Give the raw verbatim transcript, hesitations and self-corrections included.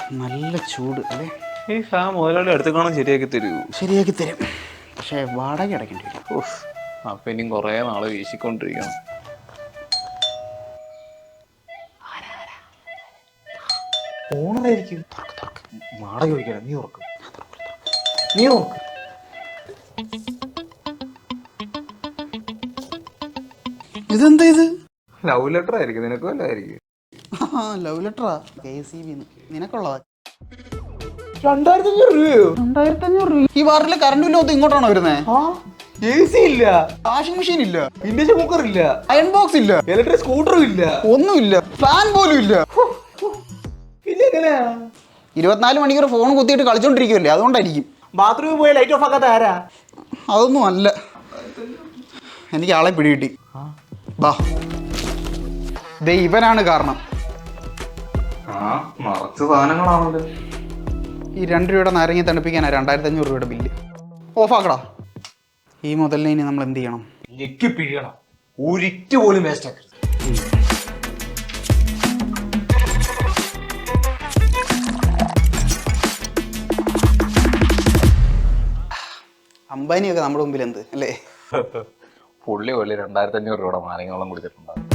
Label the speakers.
Speaker 1: നല്ല ചൂട് അല്ലേ?
Speaker 2: ഈ ഫാൻ മുതലാളി അടുത്ത് കാണാൻ ശരിയാക്കി തരൂ.
Speaker 1: ശരിയാക്കി തരും, പക്ഷേ വാടക അടയ്ക്കേണ്ടി വരും.
Speaker 2: ഓഹ്, അപ്പൊ ഇനിയും കുറേ നാള് വീശിക്കൊണ്ടിരിക്കണം.
Speaker 3: ഓണറായിരിക്കും. വാടക ചോദിക്കണം, നീ ഉറക്കും നീ ഉറക്കും.
Speaker 1: ഇതെന്താ ഇത്?
Speaker 3: ലവ് ലെറ്റർ ആയിരിക്കും, നിനക്ക് വല്ലതായിരിക്കും.
Speaker 1: ലവ് ലെറ്ററാ? കെ സി ബി നിനക്കുള്ളതാ.
Speaker 3: രണ്ടായിരത്തി അഞ്ഞൂറ് രൂപയോ?
Speaker 1: രണ്ടായിരത്തി അഞ്ഞൂറ് രൂപ? ഈ വാറിലെ കറണ്ട് ബില്ല് ഇങ്ങോട്ടാണോ വരുന്നത്?
Speaker 3: എ സി ഇല്ല,
Speaker 1: വാഷിംഗ് മെഷീൻ ഇല്ല,
Speaker 3: ഇൻഡക്ഷൻ കുക്കർ ഇല്ല,
Speaker 1: അയൺ ബോക്സ് ഇല്ല,
Speaker 3: ഇലക്ട്രിക് സ്കൂട്ടറും ഇല്ല,
Speaker 1: ഒന്നുമില്ല, ഫാൻ പോലും ഇല്ല.
Speaker 3: പിന്നെ എങ്ങനെയാ?
Speaker 1: ഇരുപത്തിനാല് മണിക്കൂർ ഫോൺ കുത്തിയിട്ട് കളിച്ചോണ്ടിരിക്കുമല്ലേ, അതുകൊണ്ടായിരിക്കും.
Speaker 3: ബാത്റൂമിൽ പോയി ലൈറ്റ് ഓഫ് ആക്കാത്ത ആരാ?
Speaker 1: അതൊന്നും അല്ല, എനിക്ക് ആളെ പിടികിട്ടി. ബാ, ദേ ഇവനാണ് കാരണം.
Speaker 3: ആ മറച്ച സാധനങ്ങളാണല്ലോ.
Speaker 1: ഈ രണ്ട് രൂപയുടെ നാരങ്ങ തണുപ്പിക്കാനാണ് രണ്ടായിരത്തി അഞ്ഞൂറ് രൂപയുടെ ബില്ല്. ഓഫാക്കടാ. ഈ മുതലിനെ ഇനി നമ്മൾ എന്ത് ചെയ്യണം?
Speaker 3: ഞെക്കി പിഴിയണം, ഒരിറ്റ് പോലും വേസ്റ്റ് ആക്കരുത്.
Speaker 1: അംബാനിയൊക്കെ നമ്മുടെ മുമ്പിൽ എന്ത് അല്ലേ?
Speaker 2: പുള്ളി പോലെ രണ്ടായിരത്തി അഞ്ഞൂറ് രൂപയുടെ നാരങ്ങളും കുടിച്ചിട്ടുണ്ടാകും.